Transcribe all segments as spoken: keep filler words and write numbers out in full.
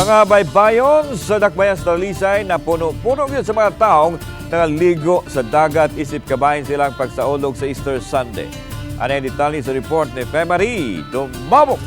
Mga baybayong sa Dakbayan sa Talisay na puno-puno yun sa mga taong naligo sa dagat isip kabahin silang pagsaulog sa Easter Sunday. Ano yung detalye sa report ni Femari Dumabok?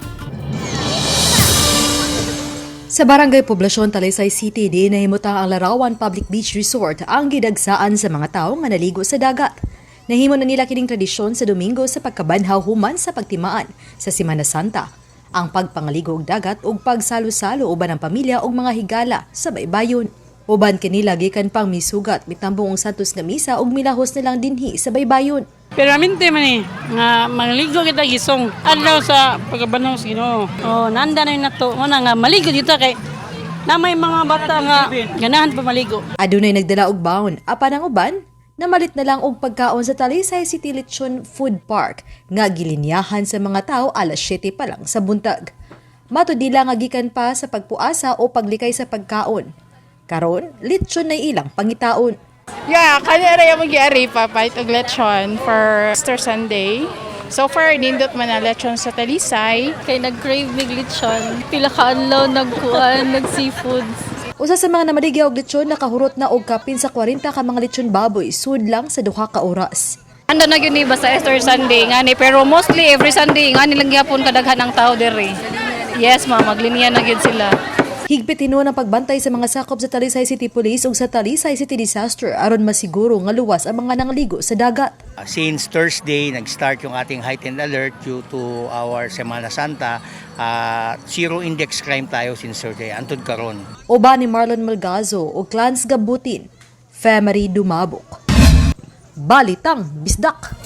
Sa Barangay Poblasyon, Talisay City, di nahimutang ang Larawan Public Beach Resort ang gidagsaan sa mga tao nga naligo sa dagat. Nahimo na nila kining tradisyon sa Domingo sa pagkabanhaw human sa pagtimaan sa Semana Santa. Ang pagpangaligo og dagat ug pagsalo-salo uban ang pamilya ug mga higala sa baybayon. Uban kanila gikan pang misugat mitambong ang Santos nga misa ug milahos nilang dinhi sa baybayon. Pero aminte man eh, nga maligo kita gisong. Adlaw sa pagkabanhaw sa Ginoo. Oh, nanda na yun nato. Una nga maligo dito kay na may mga bata nga ganahan pa maligo. Adunay nagdala og baon, apan ang uban namalit na lang og pagkaon sa Talisay City Lechon Food Park nga gilinyahan sa mga tao alas siyete pa lang sa buntag. Matud nila nga gikan pa sa pagpuasa o paglikay sa pagkaon. Karon, lechon na ilang pangitaon. Yeah, kanira yung mag-iari pa pahit og lechon for Easter Sunday. So far, nindot man na lechon sa Talisay. Kay nag-crave mig lechon. Pila ka adlaw nagkuan, nag-seafoods. Usa sa mga namaligya og lechon nakahurot na og kapin sa kwarenta ka mga lechon baboy sud lang sa duha ka oras. Ando na gyud ni ba sa Easter Sunday ngani pero mostly every Sunday ngani lang gyapon kadaghan ang tao diri. Yes, ma maglinya na gyud sila. Higpit hinuon ang pagbantay sa mga sakop sa Talisay City Police ug sa Talisay City Disaster aron masiguro nga luwas ang mga nangaligo sa dagat. Since Thursday, nag-start yung ating heightened alert due to our Semana Santa. Uh, zero index crime tayo since Thursday, antud karon. Uban ni Marlon Malgazo o Clans Gabutin, Femari Dumabok. Balitang Bisdak.